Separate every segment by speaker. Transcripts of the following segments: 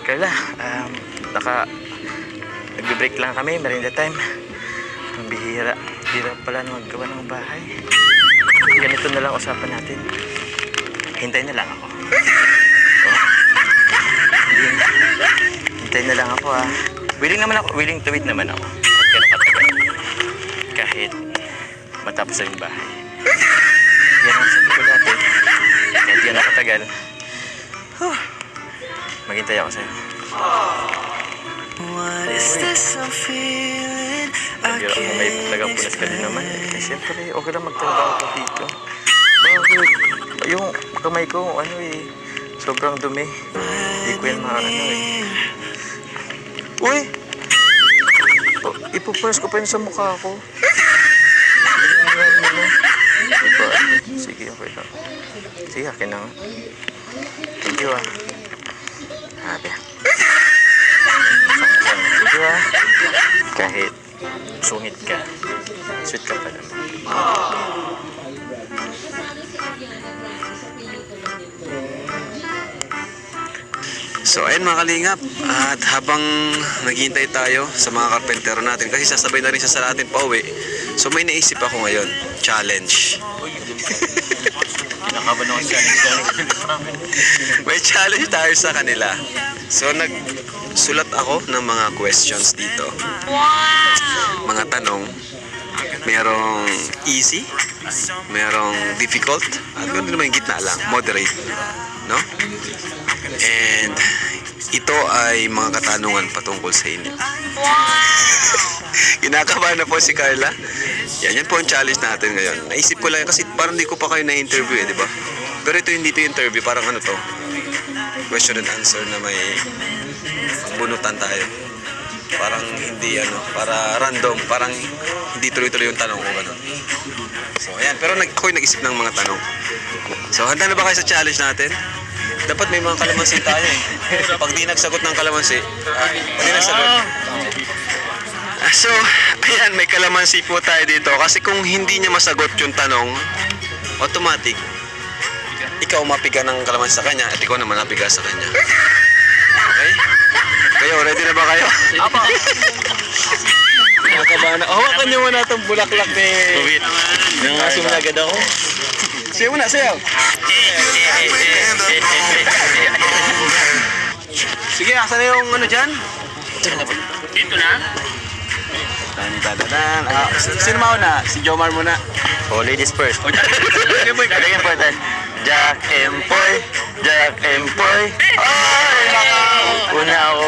Speaker 1: Carla, nagbe-break lang kami, merienda time. Ang bihira. Bihira pala na maggawa ng bahay. Ganito na lang usapan natin. Hintayin na lang ako. Hintayin na lang ako ha. Willing naman ako, willing to wait naman ako. Kahit gano'ng katagal. Kahit matapos na yung bahay. Yan ang sabi ko dati. Kahit gano'ng katagal. Maghintay ako sa'yo.
Speaker 2: What is this I'm feeling? I
Speaker 1: Pero kung may tagapunas ka din naman, siyempre, okay lang magtrabaho ka dito. Bakit? Yung kamay ko, sobrang dumi. Hindi ko yan Uy! Ipupunas ko pa yun sa mukha ko. Sige, okay lang. Sige, akin na nga. Thank you Habi. Thank you Kahit sungit ka, sweet ka pa naman.
Speaker 3: So ayun mga kalingap, at habang naghihintay tayo sa mga karpentero natin, kasi sasabay na rin siya sa atin pa uwi, so may naisip ako ngayon, challenge.
Speaker 1: Kinakaban ako sa
Speaker 3: May challenge tayo sa kanila. So nagsulat ako ng mga questions dito. Mga tanong, merong easy, merong difficult, at ganoon naman yung gitna lang, moderate, no? And ito ay mga katanungan patungkol sa inyo. Kinakabahan na po si Carla. Yan po ang challenge natin ngayon. Naisip ko lang kasi parang hindi ko pa kayo na-interview di ba? Pero ito yung dito yung interview, parang ano to, question and answer na may bunutan tayo. Parang hindi para random, parang hindi tuloy-tuloy yung tanong ko gano'n. So ayan, pero ako'y nag-isip ng mga tanong. So handa na ba kayo sa challenge natin? Dapat may mga kalamansi tayo Pag di nagsagot ng kalamansi, pag di nagsagot. So, ayan, may kalamansi po tayo dito. Kasi kung hindi niya masagot yung tanong, automatic, ikaw mapiga ng kalamansi sa kanya at ikaw naman napiga sa kanya. Okay? Kayo, ready na ba kayo?
Speaker 1: Apo!
Speaker 3: Nakakabana. Hawakan niyo muna itong bulaklak ni...
Speaker 1: Wait. Nangasim na agad ako.
Speaker 3: Sayo muna, sayo. Sige, asan na yung dyan?
Speaker 1: Dito na?
Speaker 3: Tadadan. Sino mauna? Si Jomar muna.
Speaker 1: Oh, ladies first. Talagang important. Jack Empoy. Jack Empoy. Ay! Una ako.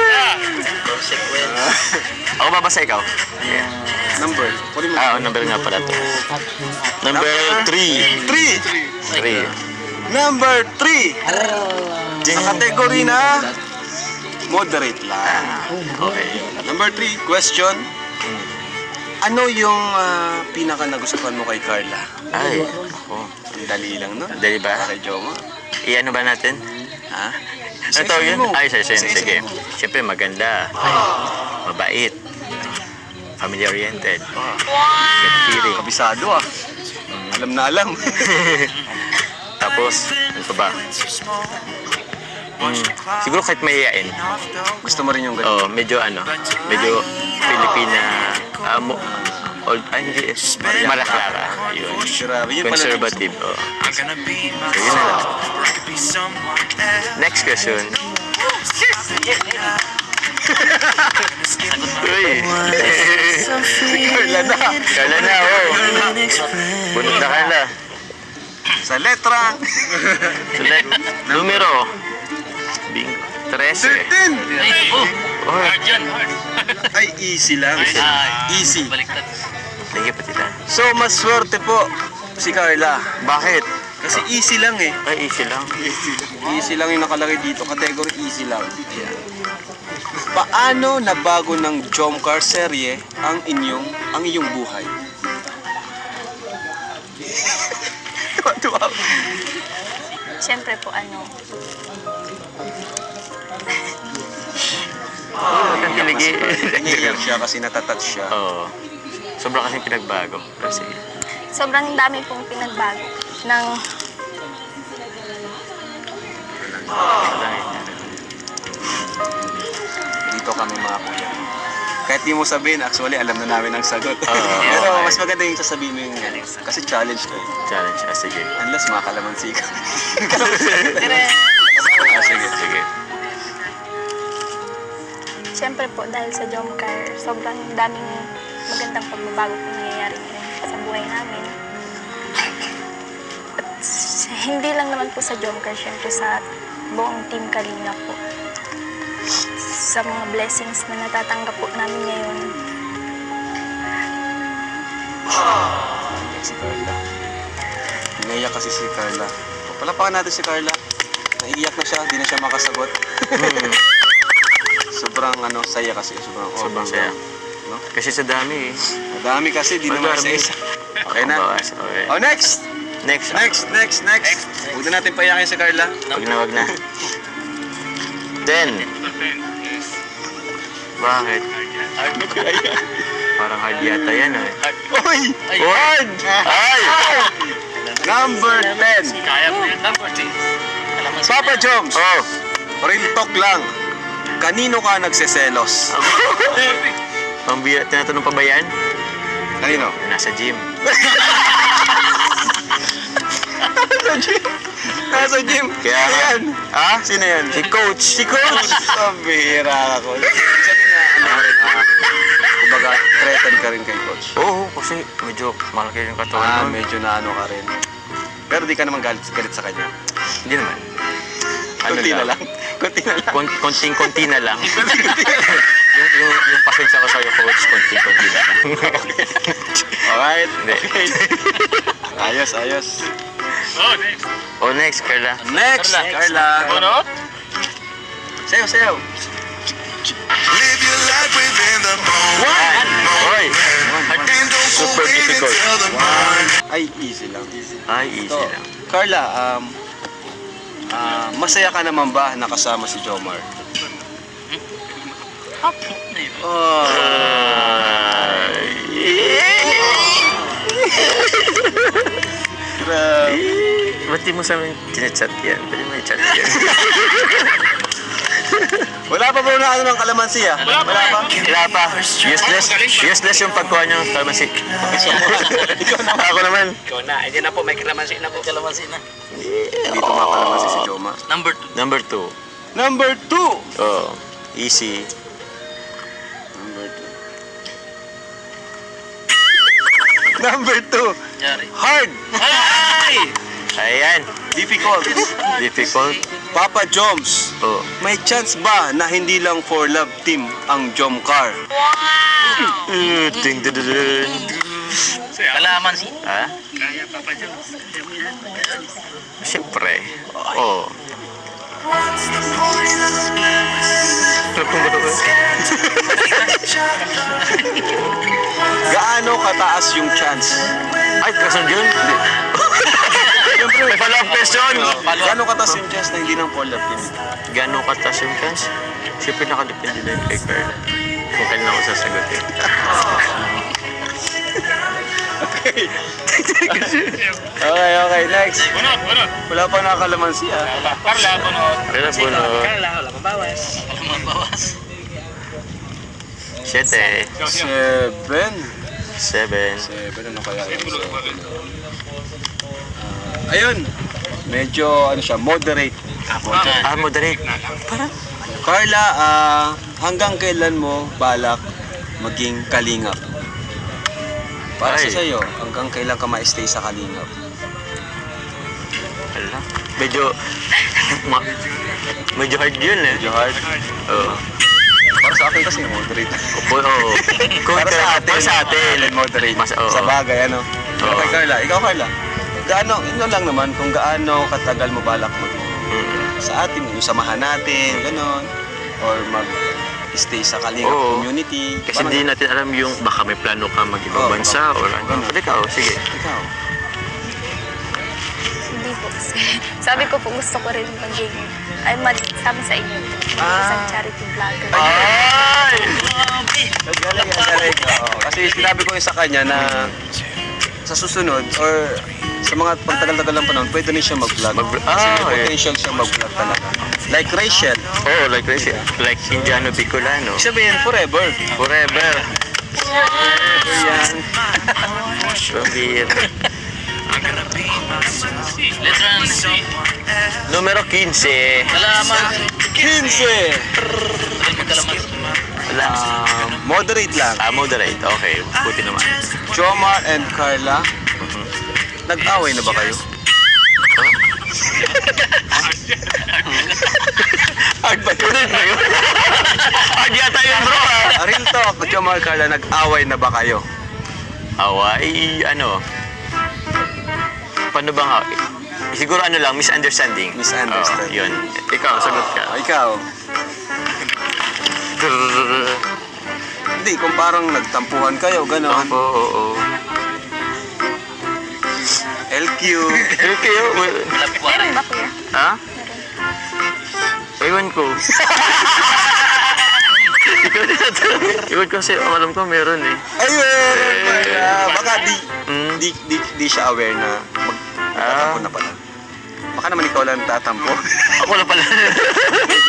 Speaker 1: Ako babasa ikaw?
Speaker 3: Number.
Speaker 1: Number nga pala to. Number 3. 3.
Speaker 3: Number 3. Sa kategory na moderate lang.
Speaker 1: Okay.
Speaker 3: Number 3, question. Ano yung pinaka nagustuhan mo kay Carla?
Speaker 1: Ay, ako.
Speaker 3: Ang dali lang, no?
Speaker 1: Dali ba?
Speaker 3: Kay Joma.
Speaker 1: Iano ba natin?
Speaker 3: Ha?
Speaker 1: Ito yun?
Speaker 3: mo.
Speaker 1: Ay, sige. Siyempre maganda. Mabait. Family-oriented. Good feeling.
Speaker 3: Kabisado Alam na alam.
Speaker 1: Tapos, ano pa ba? Siguro kahit mayayain.
Speaker 3: Gusto mo rin yung ganun?
Speaker 1: Medyo Filipina, hindi, Maraclara. Yun.
Speaker 3: Grabe, yun pala.
Speaker 1: Conservative, So, yun na lang. Next question. Uy! Carla na, Bunot na Carla.
Speaker 3: Sa letra.
Speaker 1: Numero. Bingo. 13.
Speaker 3: 13. Ay, easy lang. Easy.
Speaker 1: Sige pa tita.
Speaker 3: So, mas swerte po si Carla.
Speaker 1: Bakit?
Speaker 3: Kasi easy lang
Speaker 1: Ay, easy lang.
Speaker 3: Easy lang yung nakalagay dito. Category easy lang. Paano nabago ng Jomcar serye ang iyong buhay?
Speaker 4: Siyempre po
Speaker 1: Ang kiligi.
Speaker 3: Naiiyak siya kasi natatouch siya.
Speaker 1: Sobrang kasing pinagbago. Kasi,
Speaker 4: sobrang dami pong pinagbago ng
Speaker 3: kami mga kuya. Kahit di mo sabihin, actually, alam na namin ang sagot. Pero
Speaker 1: okay.
Speaker 3: mas maganda yung sasabihin mo yung kasi challenge to.
Speaker 1: Challenge. Sige.
Speaker 3: Unless makakalamansi ka.
Speaker 1: Sige.
Speaker 4: Siyempre po, dahil sa Jomcar, sobrang daming magandang pagbabago po nangyayari ngayon sa buhay namin. At hindi lang naman po sa Jomcar, siyempre sa buong Team Kalinga po. Sa mga blessings na natatanggap po namin ngayon.
Speaker 3: Si Carla. Naiyak kasi si Carla. Palapakan natin si Carla. Naiiyak na siya, hindi na siya makasagot. Sobrang saya kasi.
Speaker 1: Sobrang saya.
Speaker 3: No?
Speaker 1: Kasi sa dami eh.
Speaker 3: Madami kasi, di naman
Speaker 1: Madami.
Speaker 3: isa-isa. Okay na.
Speaker 1: Okay.
Speaker 3: Oh, next!
Speaker 1: Next.
Speaker 3: Huwag na natin payakin si Carla.
Speaker 1: Wag na. Then. Bakit? Parang hard yata yan eh.
Speaker 3: Uy!
Speaker 1: Word! Ay!
Speaker 3: Number 10. Papa Joms,
Speaker 1: Oh!
Speaker 3: real talk lang. Kanino ka nagseselos?
Speaker 1: Tinatanong pa ba yan?
Speaker 3: Kanino?
Speaker 1: Nasa gym.
Speaker 3: Nasa gym.
Speaker 1: Kaya nga.
Speaker 3: Yan. Ha? Sino yan?
Speaker 1: Si Coach.
Speaker 3: Si Coach. Pambihira ako. Sabi na, kumbaga, threaten ka rin kay Coach.
Speaker 1: Oo, kasi medyo malaki yung katawan nun.
Speaker 3: Medyo na ka rin. Pero di ka naman galit sa kanya.
Speaker 1: Hindi naman.
Speaker 3: Kunti na lang.
Speaker 1: Konting-konti na lang. yung pasensya ko sa'yo, Coach, konting-konti na lang.
Speaker 3: Alright.
Speaker 1: Hindi.
Speaker 3: Ayos.
Speaker 1: Oh, next, Carla.
Speaker 3: Next, Carla. Sayo.
Speaker 2: Live your life within the moment.
Speaker 1: Oy!
Speaker 2: And don't
Speaker 1: Super
Speaker 2: wait
Speaker 1: difficult.
Speaker 2: until the morning.
Speaker 3: Ay, easy lang.
Speaker 1: Ay, easy
Speaker 3: So,
Speaker 1: lang.
Speaker 3: Carla, masaya ka naman ba nakasama si Jomar?
Speaker 4: Okay.
Speaker 3: Oh.
Speaker 1: Ba't di mo sa amin chinachat yan? Pwede mo i-chat yan.
Speaker 3: Wala pa bro na ng kalamansi ah? Wala pa?
Speaker 1: Wala pa. Useless yung pagkuha niyo. Kalmasi.
Speaker 3: Ikaw naman.
Speaker 1: Ako naman.
Speaker 5: Ikaw na, hindi na po, may kalamansi na po. Kalamansi na.
Speaker 3: Dito mga kalamansi si Joma.
Speaker 5: Number 2.
Speaker 1: Number 2.
Speaker 3: Number 2!
Speaker 1: Oh, easy.
Speaker 3: Number 2.
Speaker 5: Yari.
Speaker 3: Hard!
Speaker 5: Ay!
Speaker 1: Ayan.
Speaker 3: Difficult.
Speaker 1: Difficult.
Speaker 3: Papa Joms,
Speaker 1: Oh.
Speaker 3: may chance ba na hindi lang for love team ang Jomcar?
Speaker 1: Ding ding ding.
Speaker 5: Kalamansi.
Speaker 1: Ha? Siyempre. Oh.
Speaker 3: Gaano kataas yung chance?
Speaker 1: Ay, kasan yun? Siyempre, may follow-up question.
Speaker 3: Gaano kataas yung chance na hindi lang for love team?
Speaker 1: Gano'ng katas yung chance? Siyempre nakadepende din kay Carla. Kung kailan ako sasagutin.
Speaker 3: Okay, next. Wala pa nakakalamansi ah.
Speaker 5: Carla, bunot.
Speaker 1: Carla, bunot.
Speaker 5: Carla, wala pang bawas. Wala pang bawas.
Speaker 1: 7.
Speaker 3: 7.
Speaker 1: 7.
Speaker 3: Ano kaya yun? Ayun. Medyo siya, moderate.
Speaker 1: Ah, moderate.
Speaker 3: Carla, hanggang kailan mo balak maging kalingap? Para
Speaker 1: Ay.
Speaker 3: sa sa'yo, hanggang kailan ka ma-stay sa kalingap?
Speaker 1: Wala. Medyo hard yun eh.
Speaker 3: Medyo hard.
Speaker 1: Oo.
Speaker 3: Para sa akin kasi moderate.
Speaker 1: Oo.
Speaker 3: Para sa atin.
Speaker 1: Moderate. Mas, oo.
Speaker 3: Sa bagay, ano?
Speaker 1: Oo.
Speaker 3: Okay, Carla. Ikaw, Carla. Ino lang naman kung gaano katagal mo balak maging sa atin, yung samahan natin, gano'n. Or mag-stay sa kalingap
Speaker 1: Oo.
Speaker 3: community.
Speaker 1: Kasi hindi natin alam yung baka may plano ka mag-ibang
Speaker 3: Oo,
Speaker 1: bansa or ano.
Speaker 3: ganun.
Speaker 1: Pero ikaw, sige.
Speaker 3: Ikaw.
Speaker 4: Hindi po. Sabi ko po, gusto ko rin maging, sabi sa inyo, isang charity vlogger.
Speaker 1: Ay!
Speaker 3: Galing. Oo. Kasi sinabi ko yun sa kanya na sa susunod or sa mga pagtagal-tagal ng panahon, pwede rin siya mag-vlog. Kasi may
Speaker 1: okay.
Speaker 3: potential siya mag-vlog talaga. Like Rachel.
Speaker 1: Oh, like Indiano Bicolano.
Speaker 3: Sabihin, forever.
Speaker 1: Forever.
Speaker 3: Yan.
Speaker 1: Pambira.
Speaker 5: Letra ng C.
Speaker 1: Numero 15.
Speaker 5: Kalaman.
Speaker 3: 15!
Speaker 5: Kalaman.
Speaker 1: Wala.
Speaker 3: Moderate lang.
Speaker 1: Moderate. Okay. Buti naman.
Speaker 3: Jomar and Carla, nag-away na ba kayo?
Speaker 1: Hard ba yun? Hard yata yun, bro.
Speaker 3: Real talk, Jomar, Carla, nag-away na ba kayo?
Speaker 1: Away, ano? Paano bang siguro ano lang, misunderstanding.
Speaker 3: Misunderstanding.
Speaker 1: Yun. Ikaw, sagot ka.
Speaker 3: Ikaw? Hindi, kung parang nagtampuhan kayo, gano'n.
Speaker 1: Oo.
Speaker 3: LQ.
Speaker 1: Kayo,
Speaker 4: Meron ba kuya?
Speaker 1: ha? Ewan ko. Ewan ko kasi alam ko meron eh.
Speaker 3: Ayun! Baka
Speaker 1: Mm.
Speaker 3: di siya aware na magtatampo na pala. Baka naman ikaw lang tatampo.
Speaker 1: Ako na pala.